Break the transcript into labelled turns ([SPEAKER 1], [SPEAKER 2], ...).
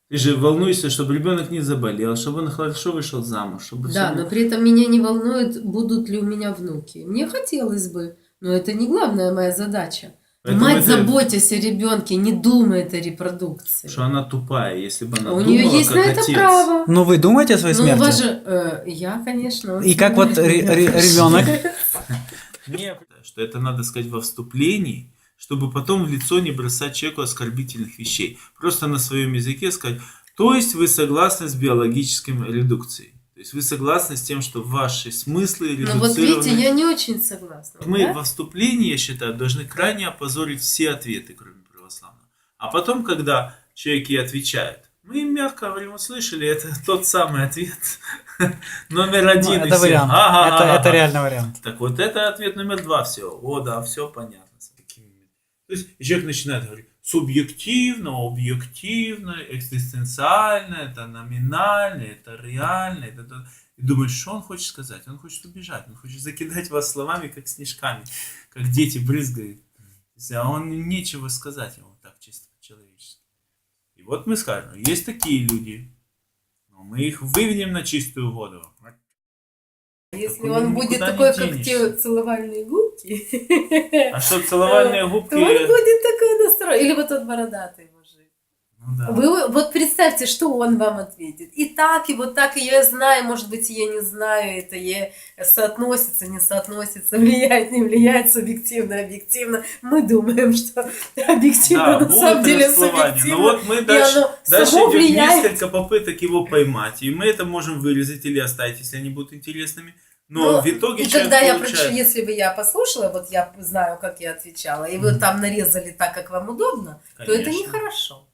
[SPEAKER 1] Ты же волнуешься, чтобы ребенок не заболел, чтобы он хорошо вышел замуж, чтобы
[SPEAKER 2] Да,
[SPEAKER 1] всё
[SPEAKER 2] но при этом меня не волнует, будут ли у меня внуки. Мне хотелось бы, но это не главная моя задача.
[SPEAKER 1] Поэтому
[SPEAKER 2] Мать,
[SPEAKER 1] это
[SPEAKER 2] заботясь о ребенке, не думает о репродукции.
[SPEAKER 1] что она тупая. Если бы она
[SPEAKER 2] А у нее
[SPEAKER 1] думала,
[SPEAKER 2] есть на
[SPEAKER 1] как
[SPEAKER 2] это
[SPEAKER 1] отец.
[SPEAKER 2] право.
[SPEAKER 3] Но вы думаете о своей
[SPEAKER 2] Ну, у вас
[SPEAKER 3] смерти?
[SPEAKER 2] же, я, конечно, он
[SPEAKER 3] И как вот
[SPEAKER 2] снимает меня
[SPEAKER 3] ребенок?
[SPEAKER 1] Мне что это надо сказать во вступлении, чтобы потом в лицо не бросать человеку оскорбительных вещей. Просто на своем языке сказать, то есть вы согласны с биологической редукцией. То есть вы согласны с тем, что ваши смыслы
[SPEAKER 2] Ну вот видите,
[SPEAKER 1] редуцированы.
[SPEAKER 2] я не очень согласна.
[SPEAKER 1] Мы
[SPEAKER 2] Да?
[SPEAKER 1] во вступлении, я считаю, должны крайне опозорить все ответы, кроме православного. А потом, когда человек ей отвечает, мы им мягко говорим, услышали, это тот самый ответ номер
[SPEAKER 3] Ну,
[SPEAKER 1] один.
[SPEAKER 3] это вариант. Это реальный вариант.
[SPEAKER 1] Так вот, это ответ номер два. Все. О, да, все понятно. То есть человек начинает говорить субъективно, объективно, экзистенциально, это номинально, это реально. Это... И думаешь, что он хочет сказать? Он хочет убежать, он хочет закидать вас словами, как снежками, как дети брызгают. А он нечего сказать ему так чисто по-человечески. И вот мы скажем, есть такие люди, но мы их выведем на чистую воду.
[SPEAKER 2] Если
[SPEAKER 1] Так
[SPEAKER 2] он
[SPEAKER 1] никуда
[SPEAKER 2] будет
[SPEAKER 1] не
[SPEAKER 2] такой, как
[SPEAKER 1] денешься.
[SPEAKER 2] те целовальные губки,
[SPEAKER 1] А что целовальные губки?
[SPEAKER 2] то он будет такой настроен. Или вот тот бородатый мужик.
[SPEAKER 1] Ну да.
[SPEAKER 2] Вы вот представьте, что он вам ответит. И так, и вот так, и я знаю, может быть, я не знаю, это соотносится, не соотносится, влияет, не влияет, субъективно, объективно. Мы думаем, что объективно,
[SPEAKER 1] Да,
[SPEAKER 2] на самом
[SPEAKER 1] будет
[SPEAKER 2] деле
[SPEAKER 1] расслоение.
[SPEAKER 2] субъективно.
[SPEAKER 1] Но вот мы
[SPEAKER 2] и
[SPEAKER 1] дальше
[SPEAKER 2] оно
[SPEAKER 1] идет
[SPEAKER 2] само влияет.
[SPEAKER 1] несколько попыток его поймать. И мы это можем вырезать или оставить, если они будут интересными. Но
[SPEAKER 2] Ну,
[SPEAKER 1] в итоге
[SPEAKER 2] и
[SPEAKER 1] человек
[SPEAKER 2] когда я
[SPEAKER 1] получает...
[SPEAKER 2] прочитала, если бы я послушала, вот я знаю, как я отвечала, и вы там нарезали так, как вам удобно, то это
[SPEAKER 1] Конечно.
[SPEAKER 2] нехорошо.